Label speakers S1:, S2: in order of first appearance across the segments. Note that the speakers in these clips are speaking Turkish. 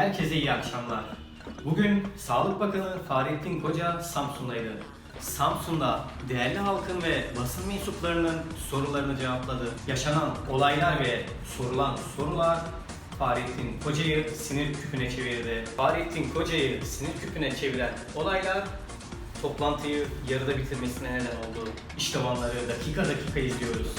S1: Herkese iyi akşamlar. Bugün Sağlık Bakanı Fahrettin Koca Samsun'daydı. Samsun'da değerli halkın ve basın mensuplarının sorularını cevapladı. Yaşanan olaylar ve sorulan sorular Fahrettin Koca'yı sinir küpüne çevirdi. Fahrettin Koca'yı sinir küpüne çeviren olaylar toplantıyı yarıda bitirmesine neden oldu. İşte onları dakika dakika izliyoruz.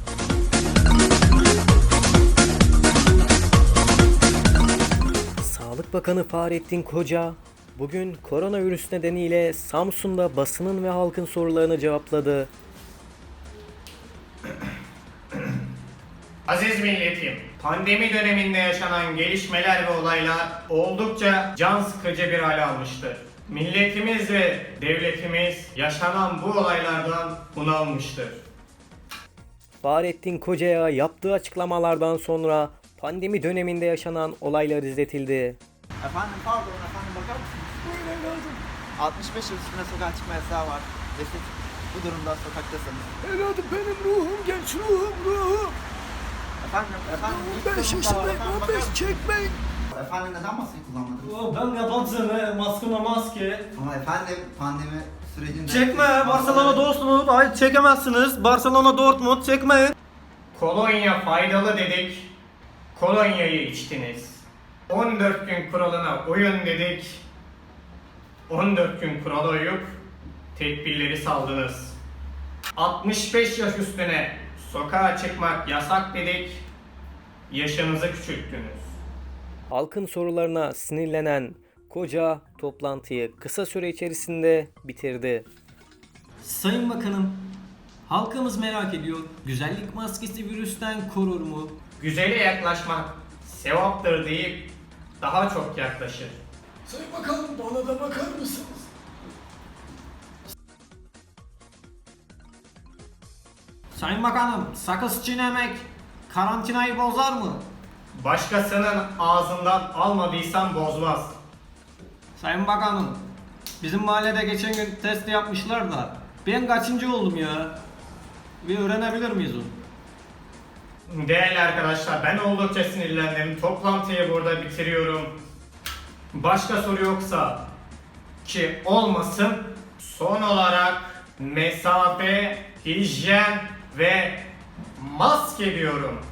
S1: Sağlık Bakanı Fahrettin Koca bugün koronavirüs nedeniyle Samsun'da basının ve halkın sorularını cevapladı.
S2: Aziz milletim, pandemi döneminde yaşanan gelişmeler ve olaylar oldukça can sıkıcı bir hal almıştır. Milletimiz ve devletimiz yaşanan bu olaylardan bunalmıştır.
S1: Fahrettin Koca'ya yaptığı açıklamalardan sonra pandemi döneminde yaşanan olaylar izletildi.
S3: Efendim pardon efendim bakar mısınız? Buyurun evladım. 65 yıl üstüne sokağa çıkma yasağı var. Ve siz bu durumda sokaktasınız.
S4: Evladım benim ruhum genç ruhum.
S3: Efendim
S4: 15 yaşındayım 15 çekmeyin.
S3: Efendim neden maskeyi kullanmadınız?
S5: Ben yabancı maskına maske.
S3: Ama efendim pandemi sürecinde...
S5: Çekme Barcelona Dortmund. Hayır çekemezsiniz. Barcelona Dortmund çekmeyin.
S2: Kolonya faydalı dedik, kolonyayı içtiniz. 14 gün kuralına uyun dedik, 14 gün kurala uyup tedbirleri saldınız. 65 yaş üstüne sokağa çıkmak yasak dedik, yaşınızı küçülttünüz.
S1: Halkın sorularına sinirlenen Koca toplantıyı kısa süre içerisinde bitirdi.
S5: Sayın Bakanım, halkımız merak ediyor. Güzellik maskesi virüsten korur mu?
S2: Güzele yaklaşmak sevaptır deyip daha çok yaklaşır.
S4: Sayın bakalım bana da bakar mısınız?
S5: Sayın Bakanım, sakız çiğnemek karantinayı bozar mı?
S2: Başkasının ağzından almadıysan bozmaz.
S5: Sayın Bakanım, bizim mahallede geçen gün test yapmışlar da ben kaçıncı oldum ya? Bir öğrenebilir miyiz onu?
S2: Değerli arkadaşlar, ben oldukça sinirlendim. Toplantıyı burada bitiriyorum. Başka soru yoksa ki olmasın. Son olarak mesafe, hijyen ve maske diyorum.